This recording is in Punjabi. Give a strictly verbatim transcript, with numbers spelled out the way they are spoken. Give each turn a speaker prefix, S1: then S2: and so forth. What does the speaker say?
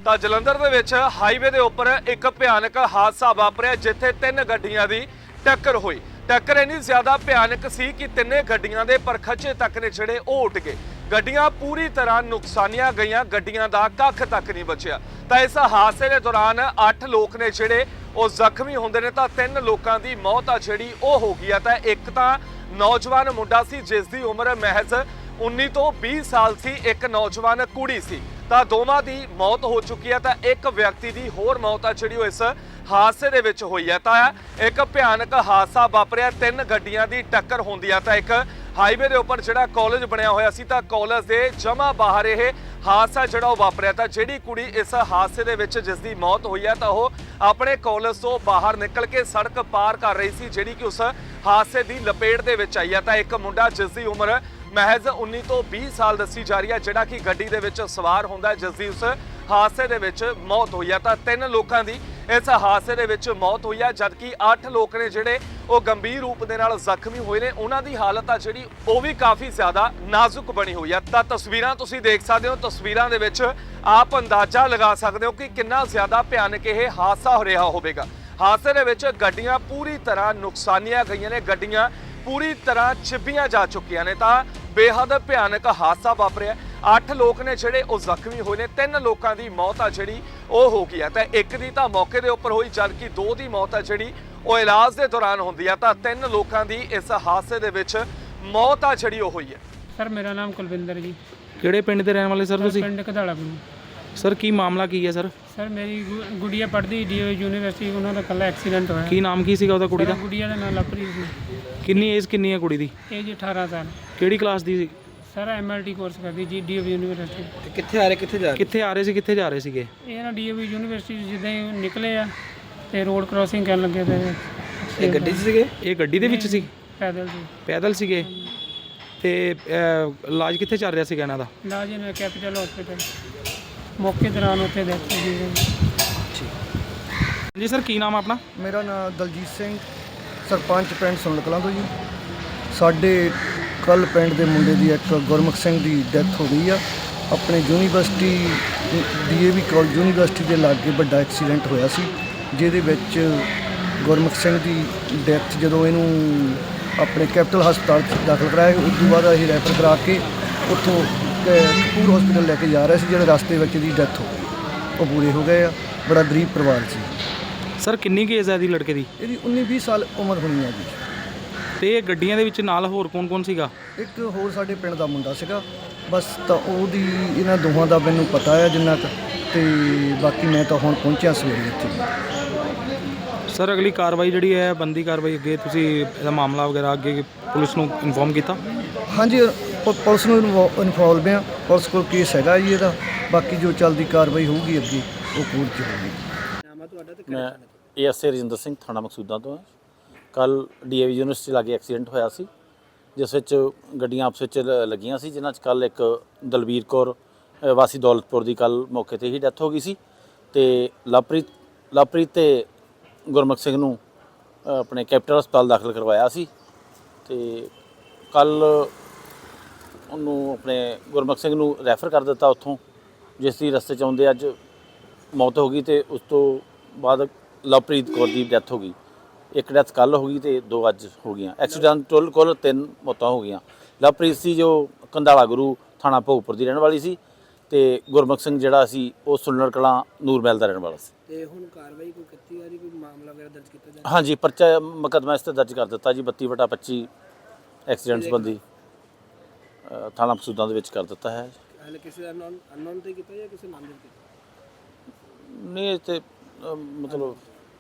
S1: ਤਾਂ ਜਲੰਧਰ ਦੇ ਵਿੱਚ ਹਾਈਵੇ ਦੇ ਉੱਪਰ ਇੱਕ ਭਿਆਨਕ ਹਾਦਸਾ ਵਾਪਰਿਆ ਜਿੱਥੇ ਤਿੰਨ ਗੱਡੀਆਂ ਦੀ ਟੱਕਰ ਹੋਈ। ਟੱਕਰ ਇੰਨੀ ਜ਼ਿਆਦਾ ਭਿਆਨਕ ਸੀ ਕਿ ਤਿੰਨੇ ਗੱਡੀਆਂ ਦੇ ਪਰਖਚੇ ਤੱਕ ਨੇ ਜਿਹੜੇ ਉਹ ਉੱਡ ਗਏ। ਗੱਡੀਆਂ ਪੂਰੀ ਤਰ੍ਹਾਂ ਨੁਕਸਾਨੀਆਂ ਗਈਆਂ, ਗੱਡੀਆਂ ਦਾ ਕੱਖ ਤੱਕ ਨਹੀਂ ਬਚਿਆ। ਤਾਂ ਇਸ ਹਾਦਸੇ ਦੇ ਦੌਰਾਨ ਅੱਠ ਲੋਕ ਨੇ ਜਿਹੜੇ ਉਹ ਜ਼ਖਮੀ ਹੁੰਦੇ ਨੇ ਤਾਂ ਤਿੰਨ ਲੋਕਾਂ ਦੀ ਮੌਤ ਆ ਜਿਹੜੀ ਉਹ ਹੋ ਗਈ ਆ। ਤਾਂ ਇੱਕ ਤਾਂ ਨੌਜਵਾਨ ਮੁੰਡਾ ਸੀ ਜਿਸ ਦੀ ਉਮਰ ਮਹਿਜ਼ ਉੱਨੀ ਤੋਂ ਵੀਹ ਸਾਲ ਸੀ, ਇੱਕ ਨੌਜਵਾਨ ਕੁੜੀ ਸੀ। ਤਾਂ ਦੋਵਾਂ ਦੀ ਮੌਤ ਹੋ ਚੁੱਕੀ ਹੈ। ਤਾਂ ਇੱਕ ਵਿਅਕਤੀ ਦੀ ਹੋਰ ਮੌਤ ਆ ਜਿਹੜੀ ਉਹ ਇਸ ਹਾਦਸੇ ਦੇ ਵਿੱਚ ਹੋਈ ਹੈ। ਤਾਂ ਇੱਕ ਭਿਆਨਕ ਹਾਦਸਾ ਵਾਪਰਿਆ, ਤਿੰਨ ਗੱਡੀਆਂ ਦੀ ਟੱਕਰ ਹੁੰਦੀ ਆ। ਤਾਂ ਇੱਕ ਹਾਈਵੇ ਦੇ ਉੱਪਰ ਜਿਹੜਾ ਕਾਲਜ ਬਣਿਆ ਹੋਇਆ ਸੀ ਤਾਂ ਕਾਲਜ ਦੇ ਜਮਾ ਬਾਹਰ ਇਹ ਹਾਦਸਾ ਜਿਹੜਾ ਉਹ ਵਾਪਰਿਆ। ਤਾਂ ਜਿਹੜੀ ਕੁੜੀ ਇਸ ਹਾਦਸੇ ਦੇ ਵਿੱਚ ਜਿਸ ਦੀ ਮੌਤ ਹੋਈ ਹੈ ਤਾਂ ਉਹ ਆਪਣੇ ਕਾਲਜ ਤੋਂ ਬਾਹਰ ਨਿਕਲ ਕੇ ਸੜਕ ਪਾਰ ਕਰ ਰਹੀ ਸੀ ਜਿਹੜੀ ਕਿ ਉਸ ਹਾਦਸੇ ਦੀ ਲਪੇਟ ਦੇ ਵਿੱਚ ਆਈ ਹੈ। ਤਾਂ ਇੱਕ ਮੁੰਡਾ ਜਿਸ ਦੀ ਉਮਰ ਮਹਿਜ਼ ਉੱਨੀ ਤੋਂ ਵੀਹ ਸਾਲ ਦੱਸੀ ਜਾ ਰਹੀ ਹੈ ਜਿਹੜਾ ਕਿ ਗੱਡੀ ਦੇ ਵਿੱਚ ਸਵਾਰ ਹੁੰਦਾ ਜਿਸ ਦੀ ਉਸ ਹਾਦਸੇ ਦੇ ਵਿੱਚ ਮੌਤ ਹੋਈ ਹੈ। ਤਾਂ ਤਿੰਨ ਲੋਕਾਂ ਦੀ ਇਸ ਹਾਦਸੇ ਦੇ ਵਿੱਚ ਮੌਤ ਹੋਈ ਹੈ ਜਦਕਿ ਅੱਠ ਲੋਕ ਨੇ ਜਿਹੜੇ ਉਹ ਗੰਭੀਰ ਰੂਪ ਦੇ ਨਾਲ ਜ਼ਖਮੀ ਹੋਏ ਨੇ। ਉਹਨਾਂ ਦੀ ਹਾਲਤ ਆ ਜਿਹੜੀ ਉਹ ਵੀ ਕਾਫੀ ਜ਼ਿਆਦਾ ਨਾਜ਼ੁਕ ਬਣੀ ਹੋਈ ਹੈ। ਤਾਂ ਤਸਵੀਰਾਂ ਤੁਸੀਂ ਦੇਖ ਸਕਦੇ ਹੋ, ਤਸਵੀਰਾਂ ਦੇ ਵਿੱਚ ਆਪ ਅੰਦਾਜ਼ਾ ਲਗਾ ਸਕਦੇ ਹੋ ਕਿ ਕਿੰਨਾ ਜ਼ਿਆਦਾ ਭਿਆਨਕ ਇਹ ਹਾਦਸਾ ਹੋ ਰਿਹਾ ਹੋਵੇਗਾ। ਹਾਦਸੇ ਦੇ ਵਿੱਚ ਗੱਡੀਆਂ ਪੂਰੀ ਤਰ੍ਹਾਂ ਨੁਕਸਾਨੀਆਂ ਗਈਆਂ ਨੇ, ਗੱਡੀਆਂ ਪੂਰੀ ਤਰ੍ਹਾਂ ਚਿੱਬੀਆਂ ਜਾ ਚੁੱਕੀਆਂ ਨੇ। ਤਾਂ ਬੇਹੱਦ ਭਿਆਨਕ ਹਾਦਸਾ ਵਾਪਰਿਆ। ਅੱਠ ਲੋਕ ਨੇ ਜਿਹੜੇ ਉਹ ਜ਼ਖਮੀ ਹੋਏ ਨੇ, ਤਿੰਨ ਲੋਕਾਂ ਦੀ ਮੌਤ ਆ ਜਿਹੜੀ ਉਹ ਹੋ ਗਈ ਹੈ। ਤਾਂ ਇੱਕ ਦੀ ਤਾਂ ਮੌਕੇ ਦੇ ਉੱਪਰ ਹੋਈ ਜਦਕਿ ਦੋ ਦੀ ਮੌਤ ਆ ਜਿਹੜੀ ਉਹ ਇਲਾਜ ਦੇ ਦੌਰਾਨ ਹੁੰਦੀ ਆ। ਤਾਂ ਤਿੰਨ ਲੋਕਾਂ ਦੀ ਇਸ ਹਾਦਸੇ ਦੇ ਵਿੱਚ ਮੌਤ ਆ ਜਿਹੜੀ ਉਹ ਹੋਈ ਹੈ।
S2: ਸਰ ਮੇਰਾ ਨਾਮ ਕੁਲਵਿੰਦਰ ਜੀ।
S3: ਕਿਹੜੇ ਪਿੰਡ ਦੇ ਰਹਿਣ ਵਾਲੇ ਸਰ ਤੁਸੀਂ?
S2: ਪਿੰਡ ਕਧਾਲਾ ਗੁਰੂ।
S3: ਸਰ ਕੀ ਮਾਮਲਾ ਕੀ ਹੈ ਸਰ?
S2: ਸਰ ਮੇਰੀ ਗੁ- ਗੁੜੀਆ ਪੜ੍ਹਦੀ ਡੀਓ ਯੂਨੀਵਰਸਿਟੀ, ਉਹਨਾਂ ਦਾ ਕੱਲਾ ਐਕਸੀਡੈਂਟ ਹੋਇਆ।
S3: ਕੀ ਨਾਮ ਕੀ ਸੀਗਾ ਉਹਦਾ ਕੁੜੀ ਦਾ?
S2: ਗੁੜੀਆ ਦਾ ਨਾਮ ਲਵਪ੍ਰੀਤ ਸੀ।
S3: ਕਿੰਨੀ ਏਜ ਕਿੰਨੀ ਹੈ ਕੁੜੀ ਦੀ?
S2: ਏਜ ਅਠਾਰਾਂ ਸਾਲ।
S3: ਕਿਹੜੀ ਕਲਾਸ ਦੀ ਸੀ?
S2: ਸਰ ਐਮਐਲਟੀ ਕੋਰਸ ਕਰਦੀ ਜੀ ਡੀਓ ਯੂਨੀਵਰਸਿਟੀ।
S4: ਕਿੱਥੇ ਆ ਰਹੇ ਕਿੱਥੇ ਜਾ ਰਹੇ?
S3: ਕਿੱਥੇ ਆ ਰਹੇ ਸੀ, ਕਿੱਥੇ ਜਾ ਰਹੇ ਸੀਗੇ?
S2: ਇਹ ਨਾ ਡੀਓ ਯੂਨੀਵਰਸਿਟੀ ਜਿੱਦਾਂ ਹੀ ਨਿਕਲੇ ਆ ਤੇ ਰੋਡ ਕ੍ਰਾਸਿੰਗ ਕਰਨ ਲੱਗੇ ਤੇ
S4: ਇਹ ਗੱਡੀ 'ਚ ਸੀਗੇ?
S3: ਇਹ ਗੱਡੀ ਦੇ ਵਿੱਚ ਸੀ?
S2: ਪੈਦਲ ਸੀ।
S3: ਪੈਦਲ ਸੀਗੇ? ਤੇ ਅਹ, ਇਲਾਜ ਕਿੱਥੇ ਚੱਲ ਰਿਹਾ ਸੀਗਾ ਇਹਨਾਂ ਦਾ?
S2: ਇਲਾਜ ਇਹਨਾਂ ਕੈਪੀਟਲ ਹਸਪੀਟਲ ਮੌਕੇ ਦੌਰਾਨ ਉੱਥੇ ਡੈਥ ਹੋ ਗਈ।
S3: ਜੀ ਸਰ ਕੀ ਨਾਮ ਆ ਆਪਣਾ?
S5: ਮੇਰਾ ਨਾਮ ਦਲਜੀਤ ਸਿੰਘ, ਸਰਪੰਚ ਪਿੰਡ ਸੁਣਨ ਕਲਾਂ ਤੋਂ ਜੀ। ਸਾਡੇ ਕੱਲ ਪਿੰਡ ਦੇ ਮੁੰਡੇ ਦੀ ਇੱਕ ਗੁਰਮੁਖ ਸਿੰਘ ਦੀ ਡੈਥ ਹੋ ਗਈ ਆ। ਆਪਣੇ ਯੂਨੀਵਰਸਿਟੀ ਡੀਏਵੀ ਕਾਲਜ ਯੂਨੀਵਰਸਿਟੀ ਦੇ ਲਾਗੇ ਵੱਡਾ ਐਕਸੀਡੈਂਟ ਹੋਇਆ ਸੀ ਜਿਹਦੇ ਵਿੱਚ ਗੁਰਮੁਖ ਸਿੰਘ ਦੀ ਡੈਥ ਜਦੋਂ ਇਹਨੂੰ ਆਪਣੇ ਕੈਪੀਟਲ ਹਸਪਤਾਲ 'ਚ ਦਾਖਲ ਕਰਾਇਆ, ਉਸ ਤੋਂ ਬਾਅਦ ਅਸੀਂ ਰੈਫਰ ਕਰਾ ਕੇ ਉੱਥੋਂ ਕਪੂਰ ਹਸਪੀਟਲ ਲੈ ਕੇ ਜਾ ਰਹੇ ਸੀ। ਜਿਹੜੇ ਰਸਤੇ ਵਿੱਚ ਦੀ ਡੈਥ ਹੋ ਗਈ, ਉਹ ਪੂਰੇ ਹੋ ਗਏ ਆ। ਬੜਾ ਗਰੀਬ ਪਰਿਵਾਰ ਸੀ।
S3: ਸਰ ਕਿੰਨੀ ਕੁ ਏਜ ਹੈ ਇਹਦੀ ਲੜਕੇ ਦੀ?
S5: ਇਹਦੀ ਉੱਨੀ ਵੀਹ ਸਾਲ ਉਮਰ ਹੋਣੀ ਹੈ ਜੀ।
S3: ਤੇ ਇਹ ਗੱਡੀਆਂ ਦੇ ਵਿੱਚ ਨਾਲ ਹੋਰ ਕੌਣ ਕੌਣ ਸੀਗਾ?
S5: ਇੱਕ ਹੋਰ ਸਾਡੇ ਪਿੰਡ ਦਾ ਮੁੰਡਾ ਸੀਗਾ ਬਸ। ਤਾਂ ਉਹਦੀ ਇਹਨਾਂ ਦੋਹਾਂ ਦਾ ਮੈਨੂੰ ਪਤਾ ਹੈ ਜਿੰਨਾ ਕੁ, ਤੇ ਬਾਕੀ ਮੈਂ ਤਾਂ ਹੁਣ ਪਹੁੰਚਿਆ ਸਵੇਰੇ ਇੱਥੇ।
S3: ਸਰ ਅਗਲੀ ਕਾਰਵਾਈ ਜਿਹੜੀ ਹੈ ਬੰਦੀ ਕਾਰਵਾਈ ਅੱਗੇ ਤੁਸੀਂ ਇਹਦਾ ਮਾਮਲਾ ਵਗੈਰਾ ਅੱਗੇ ਪੁਲਿਸ ਨੂੰ ਇਨਫੋਰਮ ਕੀਤਾ?
S5: ਹਾਂਜੀ ਪ- ਪੁਲਿਸ ਨੂੰ ਇਨਫੋਲਵ ਆ। ਪੁਲਿਸ ਕੋਲ ਕੇਸ ਹੈਗਾ ਜੀ ਇਹਦਾ। ਬਾਕੀ ਜੋ ਚੱਲਦੀ ਕਾਰਵਾਈ ਹੋਊਗੀ ਅੱਗੇ ਉਹ ਕੋਰਟ 'ਚ ਹੋਊਗੀ।
S6: ਮੈਂ A S A Rajinder Singh, ਥਾਣਾ ਮਕਸੂਦਾਂ ਤੋਂ। ਕੱਲ ਡੀਏਵੀ ਯੂਨੀਵਰਸਿਟੀ ਲਾਗੇ ਐਕਸੀਡੈਂਟ ਹੋਇਆ ਸੀ ਜਿਸ ਵਿੱਚ ਗੱਡੀਆਂ ਆਪਸ ਵਿੱਚ ਲ- ਲੱਗੀਆਂ ਸੀ, ਜਿਨ੍ਹਾਂ 'ਚ ਕੱਲ ਇੱਕ ਦਲਬੀਰ ਕੌਰ ਅ, ਵਾਸੀ ਦੌਲਤਪੁਰ ਦੀ ਕੱਲ ਮੌਕੇ 'ਤੇ ਹੀ ਡੈਥ ਹੋ ਗਈ ਸੀ। ਤੇ ਲਵਪ੍ਰੀਤ ਲਵਪ੍ਰੀਤ ਤੇ ਗੁਰਮੁਖ ਸਿੰਘ ਨੂੰ ਅ, ਆਪਣੇ ਕੈਪੀਟਲ ਹਸਪਤਾਲ ਦਾਖਲ ਕਰਵਾਇਆ ਸੀ। ਤੇ ਕੱਲ ਉਹਨੂੰ ਆਪਣੇ ਗੁਰਮੁਖ ਸਿੰਘ ਨੂੰ ਰੈਫਰ ਕਰ ਦਿੱਤਾ ਉੱਥੋਂ, ਜਿਸ ਦੀ ਰਸਤੇ 'ਚ ਆਉਂਦੇ ਅੱਜ ਮੌਤ ਹੋ ਗਈ। ਤੇ ਉਸ ਤੋਂ ਬਾਅਦ ਲਵਪ੍ਰੀਤ ਕੌਰ ਦੀ ਡੈਥ ਹੋ ਗਈ। ਇੱਕ ਡੈਥ ਕੱਲ ਹੋ ਗਈ ਤੇ ਦੋ ਅੱਜ ਹੋ ਗਈਆਂ। ਐਕਸੀਡੈਂਟ ਟੋਟਲ ਕੁੱਲ ਤਿੰਨ ਮੌਤਾਂ ਹੋ ਗਈਆਂ। ਲਵਪ੍ਰੀਤ ਸੀ ਜੋ ਕੰਧਾਲਾ ਗੁਰੂ ਥਾਣਾ ਭੋਗਪੁਰ ਦੀ ਰਹਿਣ ਵਾਲੀ ਸੀ ਤੇ ਗੁਰਮੁਖ ਸਿੰਘ ਜਿਹੜਾ ਸੀ ਉਹ ਸੁਲਨਰ ਕਲਾਂ ਨੂਰਮਹਿਲ ਦਾ ਰਹਿਣ ਵਾਲਾ ਸੀ।
S4: ਤੇ ਹੁਣ ਕਾਰਵਾਈ ਕੋਈ ਕੀਤੀ ਜਾ ਰਹੀ, ਕੋਈ ਮਾਮਲਾ ਵਗੈਰਾ ਦਰਜ ਕੀਤਾ ਜਾ ਰਿਹਾ?
S6: ਹਾਂਜੀ, ਪਰਚਾ ਮੁਕੱਦਮਾ ਇਸ 'ਤੇ ਦਰਜ ਕਰ ਦਿੱਤਾ ਜੀ। ਬੱਤੀ ਵਟਾ ਪੱਚੀ ਐਕਸੀਡੈਂਟ ਸੰਬੰਧੀ ਅ, ਥਾਣਾ ਮਕਸੂਦਾਂ ਦੇ ਵਿੱਚ ਕਰ ਦਿੱਤਾ ਹੈ।
S4: ਹਾਲੇ ਕਿਸੇ ਦਾ ਅਨਨੋਨ ਅਨਨੋਨ ਤੇ ਕੀਤਾ ਜਾਂ ਕਿਸੇ ਨਾਮਜ਼ਦ ਕੀਤਾ?
S6: ਨਹੀਂ ਇਹ 'ਤੇ ਅ, ਮਤਲਬ